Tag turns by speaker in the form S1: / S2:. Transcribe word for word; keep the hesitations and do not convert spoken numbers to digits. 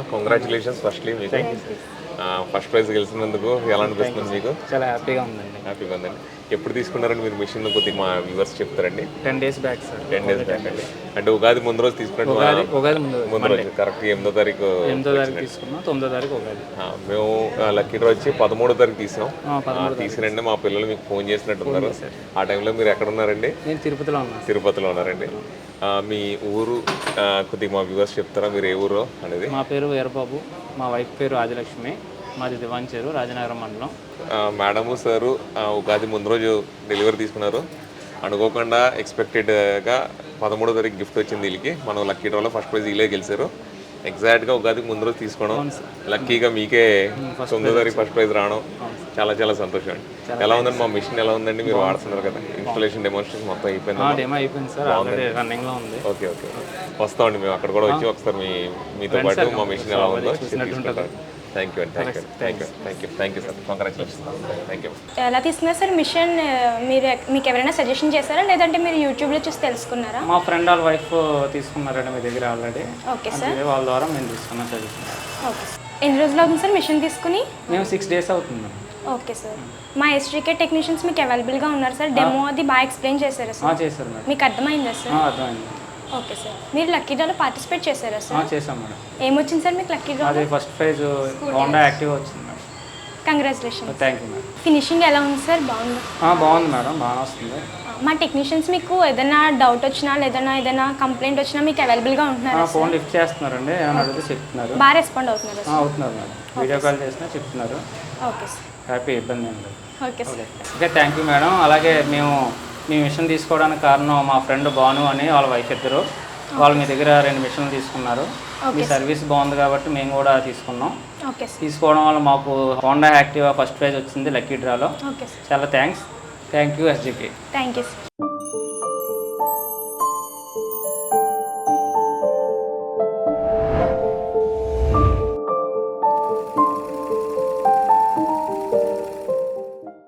S1: Congratulations firstly మీకు first prize గెలిచినందుకు ఎలా అనిపిస్తుంది మీకు?
S2: చాలా హ్యాపీగా ఉందండి.
S1: హ్యాపీగా ఉందండి. ఎప్పుడు తీసుకున్నారండి మీరు మిషన్? కొద్దిగా మా వ్యూవర్స్ చెప్తారండి.
S2: Ten days back sir.
S1: Ten days back అండి. అంటే ఉగాది ముందు రోజు తీసుకున్నట్టు
S2: ఉగాది ఉగాది ముందు
S1: ముందు రోజు కరెక్ట్ ఎనిమిదో తారీఖు
S2: ఎనిమిదో తారీఖు తీసుకున్నాం, తొమ్మిదో తారీఖు ఉగాది.
S1: మేము లక్కీ డ్రా వచ్చి పదమూడో తారీఖు తీసాం.
S2: పదమూడు
S1: తీసినండి మా పిల్లలు మీకు ఫోన్ చేసినట్టున్నారు. ఆ టైంలో మీరు ఎక్కడ ఉన్నారండి?
S2: నేను తిరుపతిలో ఉన్నాను.
S1: తిరుపతిలో ఉన్నారండి. మీ ఊరు కొద్దిగా మా వ్యూవర్స్ చెప్తారా మీరు ఏ ఊరు అనేది?
S2: మా పేరు వీరబాబు, మా వైఫ్ పేరు ఆదిలక్ష్మి, మాది దివాంచేరు, రాజనగరం మండలం.
S1: మేడము సారు ఉగాది ముందు రోజు డెలివరీ తీసుకున్నారు. అనుకోకుండా ఎక్స్పెక్టెడ్గా పదమూడో తారీఖు గిఫ్ట్ వచ్చింది వీళ్ళకి. మనం లక్కీ డ్రాలో ఫస్ట్ ప్రైజ్ వీళ్ళే గెలిచారు. ఎగ్జాక్ట్గా ఉగాదికి ముందు రోజు తీసుకోవడం, లక్కీగా మీకే తొమ్మిదో తారీఖు ఫస్ట్ ప్రైజ్ రావడం చాలా చాలా సంతోషం అండి. ఎలా ఉందండి మా మిషన్? ఎలా ఉందండి? మీరు వాడుతున్నారు కదా, ఇన్స్టాలేషన్ డెమోన్స్ట్రేషన్ మొత్తం అయిపోయింది?
S2: డెమో అయిపోయింది సార్, ఆల్రెడీ రన్నింగ్లో ఉంది.
S1: ఓకే ఓకే వస్తామండి మేము అక్కడ కూడా వచ్చి ఒకసారి మీ మీతో పాటు మా మిషన్ ఎలా ఉందో తీసుకుంటాం. థ్యాంక్ యూ అండి. Thank you thank you thank you thank you sir. Congratulations. Thank you.
S3: ఎలా తీసుకున్నారు సార్ మిషన్? మీరు మీకు ఎవరైనా సజెషన్ చేశారా లేదంటే మీరు యూట్యూబ్లో చూసి తెలుసుకున్నారా?
S2: మా ఫ్రెండ్ వాళ్ళ వైఫ్ తీసుకున్నారండి మీ దగ్గర ఆల్రెడీ.
S3: Okay sir.
S2: వాళ్ళ ద్వారా మేము తీసుకున్నాం సజెషన్.
S3: Okay sir. ఎన్ని రోజులు అవుతుంది సార్ మిషన్ తీసుకుని?
S2: మేము సిక్స్ డేస్ అవుతుంది.
S3: Okay sir. మా ఎస్ట్రీకే టెక్నీషియన్స్ మీకు అవైలబుల్గా ఉన్నారు సార్. డెమో అది బాగా ఎక్స్ప్లెయిన్ చేశారా సార్?
S2: చేశారు మేడం.
S3: మీకు అర్థమైందా సార్?
S2: అర్థమైంది.
S3: Okay sir. మీరు లక్కీ డ్రాలో పార్టిసిపేట్ చేశారా సార్?
S2: చేశాం మేడం.
S3: ఏమొచ్చింది సార్ మీకు లక్కీ డ్రా?
S2: అది ఫస్ట్ ప్రైజ్ హోండా యాక్టివ్ వచ్చింది madam.
S3: Congratulation.
S2: Thank you madam.
S3: Finishing ఎలా ఉంది సార్? బాగుంది.
S2: బాగుంది మేడం, బాగా వస్తుంది.
S3: మా టెక్నీషియన్స్ మీకు ఏదైనా డౌట్ వచ్చినా లేదన్నా ఏదైనా కంప్లైంట్ వచ్చినా మీకు అవైలబుల్గా ఉంటున్నారు?
S2: ఫోన్ లిఫ్ట్ చేస్తున్నారండి, ఏమైనా అడిగితే చెప్తున్నారు.
S3: బాగా రెస్పాండ్ అవుతున్నారు?
S2: అవుతున్నారు మేడం. వీడియో కాల్ చేసినా చెప్తున్నారు.
S3: Okay sir.
S2: హ్యాపీ, ఇబ్బంది ఏం లేదు.
S3: Okay sir.
S2: Okay thank you madam. అలాగే మేము మీ మిషన్ తీసుకోవడానికి కారణం మా ఫ్రెండ్ భాను అని వాళ్ళ వైఫ్ ఇద్దరు. వాళ్ళు మీ దగ్గర రెండు మిషన్లు తీసుకున్నారు. మీ సర్వీస్ బాగుంది కాబట్టి మేము కూడా తీసుకున్నాం. తీసుకోవడం వల్ల మాకు హోండా యాక్టివా ఫస్ట్ ప్రైజ్ వచ్చింది లక్కీ డ్రాలో. చాలా thanks. Thank you SJK.
S3: Thank you sir.